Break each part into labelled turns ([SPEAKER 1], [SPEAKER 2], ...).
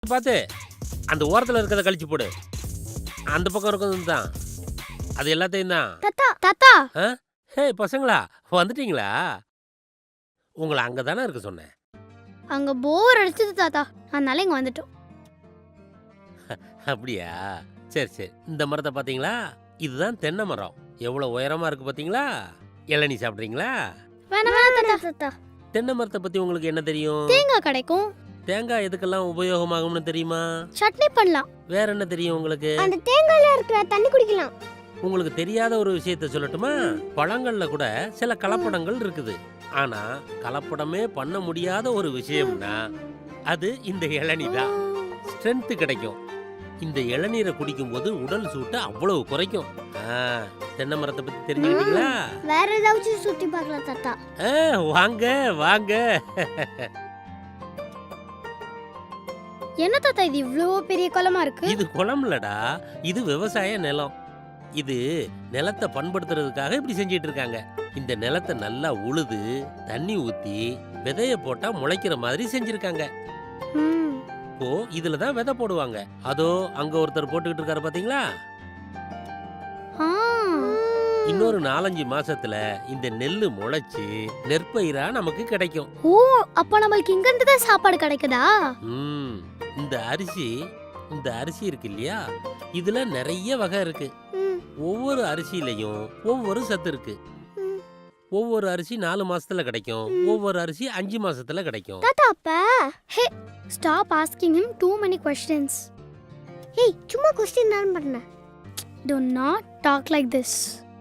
[SPEAKER 1] பார்த்து அந்த ஓரத்தில் இருக்கிறத கழிச்சு போடு. அந்த பக்கம் இருக்கிறது தான், அது எல்லாத்தையும் தான்.
[SPEAKER 2] தாத்தா தாத்தா
[SPEAKER 1] ஹே பசங்களா, வந்துட்டீங்களா? உங்களை அங்கே தானே இருக்க சொன்னேன்.
[SPEAKER 2] அங்க போர் அடிச்சது தாத்தா, அதனால இங்க வந்துட்டோம்.
[SPEAKER 1] அப்படியா? சரி சரி. இந்த மரத்தை பார்த்தீங்களா? இதுதான் தென்னை மரம். எவ்வளோ உயரமா இருக்கு பார்த்தீங்களா? இளநீ சாப்பிட்றீங்களா?
[SPEAKER 2] வேணாம் வேணாம் தாத்தா.
[SPEAKER 1] தென்னை மரத்தை பற்றி உங்களுக்கு என்ன தெரியும்?
[SPEAKER 2] தேங்காய் கிடைக்கும்.
[SPEAKER 1] தேங்காய் எதுக்கெல்லாம் உபயோகமாகும்னு தெரியுமா?
[SPEAKER 2] சட்னி பண்ணலாம்.
[SPEAKER 1] வேற என்ன தெரியும் உங்களுக்கு?
[SPEAKER 2] அந்த தேங்காயில இருக்கிற தண்ணி குடிக்கலாம்.
[SPEAKER 1] உங்களுக்கு தெரியாத ஒரு விஷயத்த சொல்லட்டுமா? பழங்கள்ல கூட சில கலப்படங்கள் இருக்குது. ஆனா கலப்படமே பண்ண முடியாத ஒரு விஷயம்னா அது இந்த இளநீ தான். ஸ்ட்ரென்த் கிடைக்கும். இந்த இளநீரை குடிக்கும் போது உடல் சூட்டை அவ்வளவு குறைக்கும். தென்னை மரத்தை பத்தி தெரிஞ்சுக்கிட்டீங்களா?
[SPEAKER 2] வேற ஏதாச்சும் சுத்தி பார்க்கலாம் தாத்தா.
[SPEAKER 1] வாங்க வாங்க.
[SPEAKER 2] என்ன தாத்தா இது இவ்ளோ பெரிய குளமா இருக்கு?
[SPEAKER 1] இது குளம் இல்லடா, இது விவசாய நிலம். இது நிலத்தை பண்படுத்துறதுக்காக இப்படி செஞ்சிட்டு இருக்காங்க. இந்த நிலத்தை நல்லா உழுது தண்ணி ஊத்தி விதைய போட்டா முளைக்கிற மாதிரி செஞ்சிருக்காங்க. இப்போ இதுலதான் விதை போடுவாங்க. அதோ அங்க ஒருத்தர் போட்டுக்கிட்டு இருக்காரு பாத்தீங்களா? இன்னொரு 4-5 மாசத்துல இந்த நெல்லு முளைச்சு நெற்பயிரா நமக்கு கிடைக்கும்.
[SPEAKER 2] ஓ, அப்ப நமக்கு இங்க இருந்து தான் சாப்பாடு கிடைக்குதா?
[SPEAKER 1] இந்த அரிசி இருக்கு இல்லையா, இதுல நிறைய வகை இருக்கு. ஒவ்வொரு அரிசியிலையும் ஒவ்வொரு சத்து இருக்கு. ஒவ்வொரு அரிசி 4 மாசத்துல கிடைக்கும், ஒவ்வொரு அரிசி 5 மாசத்துல கிடைக்கும்.
[SPEAKER 2] தாத்தா அப்ப hey stop asking him too many questions. ஏய் சும்மா क्वेश्चन தான் பண்ண. Do not talk like this.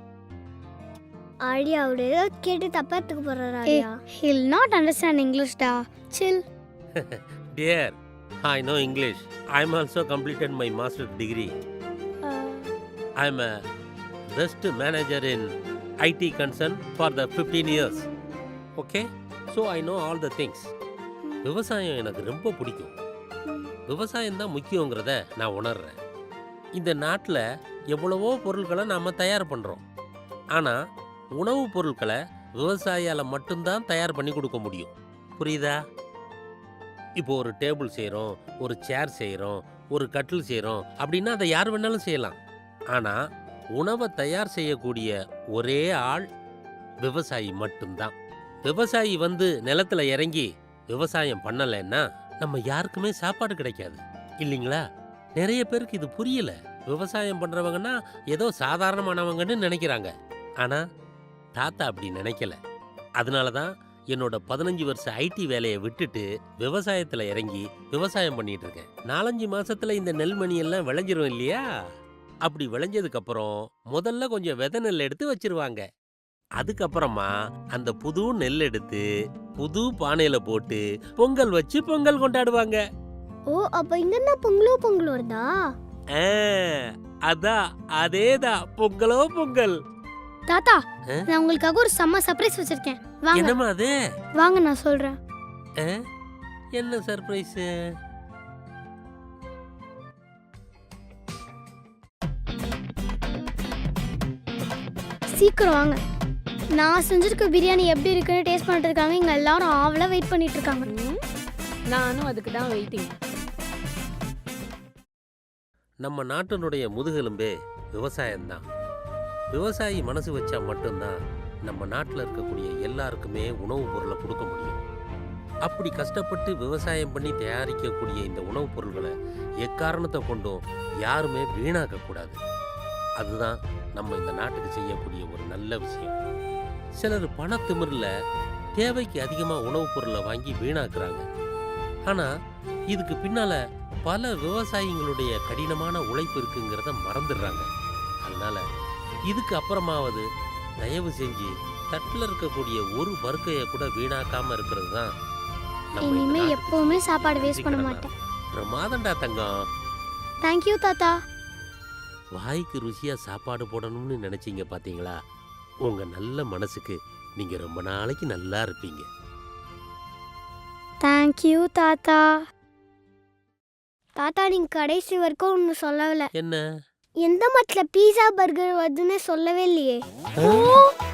[SPEAKER 2] ஆடியா அவரே கேட்டு தப்பாத்துக்கு போறாரா? He'll not understand English da. Chill.
[SPEAKER 1] Dear, I know English. I'm also completed my master's degree. I'm a best manager in IT concern for the 15 years. Okay? So I know all the things. விவசாயம் எனக்கு ரொம்ப பிடிக்கும். விவசாயம் தான் முக்கியங்கிறத நான் உணர்றேன். இந்த நாட்டில் எவ்வளவோ பொருட்களை நாம் தயார் பண்ணுறோம். ஆனால் உணவுப் பொருட்களை விவசாயியால் மட்டும்தான் தயார் பண்ணி கொடுக்க முடியும். புரியுதா? இப்போ ஒரு டேபிள் செய்கிறோம், ஒரு சேர் செய்கிறோம், ஒரு கட்டில் செய்கிறோம் அப்படின்னா அதை யார் வேணாலும் செய்யலாம். ஆனால் உணவை தயார் செய்யக்கூடிய ஒரே ஆள் விவசாயி மட்டும்தான். விவசாயி நிலத்துல இறங்கி விவசாயம் பண்ணலைன்னா நம்ம யாருக்குமே சாப்பாடு கிடைக்காது இல்லைங்களா? நிறைய பேருக்கு இது புரியல. விவசாயம் பண்றவங்கன்னா ஏதோ சாதாரணமானவங்கன்னு நினைக்கிறாங்க. ஆனா தாத்தா அப்படி நினைக்கல. அதனாலதான் என்னோட 15 வருஷ ஐடி வேலையை விட்டுட்டு விவசாயத்துல இறங்கி விவசாயம் பண்ணிட்டு இருக்கேன். 4-5 மாசத்துல இந்த நெல்மணி எல்லாம் விளைஞ்சிரும் இல்லையா? அப்படி விளைஞ்சதுக்கு அப்புறம் முதல்ல கொஞ்சம் விதை நெல் எடுத்து வச்சிருவாங்க. அதுக்கப்புறமா அந்த புது நெல் எடுத்து புது பானையில போட்டு பொங்கல் வச்சு பொங்கல் கொண்டாடுவாங்க.
[SPEAKER 2] ஓ, அப்ப இங்க என்ன பொங்கலோ வருதா?
[SPEAKER 1] அதான், அதேதான், பொங்கலோ பொங்கல்.
[SPEAKER 2] தாத்தா, நான் உங்களுக்காக ஒரு செம்ம சர்ப்ரைஸ் வச்சிருக்கேன். வாங்க.
[SPEAKER 1] என்னமா அது?
[SPEAKER 2] வாங்க நான் சொல்றேன்.
[SPEAKER 1] என்ன சர்ப்ரைஸ்?
[SPEAKER 2] சீக்கிரம் வாங்க. நான் செஞ்சிருக்க பிரியாணி எப்படி இருக்குன்னு டேஸ்ட் பண்ணிட்டு இருக்காங்க. இங்க எல்லாரும் ஆவலா வெயிட் பண்ணிட்டு இருக்காங்க.
[SPEAKER 3] நானும் அதுக்கு தான் வெயிட்டிங்.
[SPEAKER 1] நம்ம நாட்டினுடைய முதுகெலும்பே விவசாயம்தான். விவசாயி மனசு வச்சா மட்டும்தான் நம்ம நாட்டில் இருக்கக்கூடிய எல்லாருக்குமே உணவுப் பொருளை கொடுக்க முடியும். அப்படி கஷ்டப்பட்டு விவசாயம் பண்ணி தயாரிக்கக்கூடிய இந்த உணவுப் பொருள்களை எக்காரணத்தை கொண்டும் யாருமே வீணாக்கக்கூடாது. அதுதான் நம்ம இந்த நாட்டுக்கு செய்யக்கூடிய ஒரு நல்ல விஷயம். சிலர் பணத்திமிரில் தேவைக்கு அதிகமாக உணவுப் பொருளை வாங்கி வீணாக்குறாங்க. ஆனால் இதுக்கு பின்னால் பல விவசாயிகளுடைய கடினமான உழைப்பு இருக்குங்கிறத மறந்துடுறாங்க. அதனால இதுக்கு அப்புறமாவது தயவு செஞ்சு தட்டில் இருக்கக்கூடிய ஒரு பருக்கையை கூட வீணாக்காம இருக்கிறது தான்.
[SPEAKER 2] இனிமே எப்பவுமே சாப்பாடு வேஸ்ட் பண்ண மாட்டேன்.
[SPEAKER 1] பிரமாதண்டா தங்கம்.
[SPEAKER 2] தேங்க்யூ தாத்தா.
[SPEAKER 1] வாய்க்கு ருசியா சாப்பாடு போடணும்னு நினைச்சீங்க பாத்தீங்களா? உங்க நல்ல மனசுக்கு நீங்க ரொம்ப நாளைக்கு நல்லா இருப்பீங்க.
[SPEAKER 2] தேங்க்யூ தாத்தா. தாத்தா, நீங்க கடைசி வரைக்கும் ஒன்னு சொல்லல.
[SPEAKER 1] என்ன?
[SPEAKER 2] எந்த மட்ல பீஸா பர்கர் வருதுன்னு சொல்லவே இல்லையே.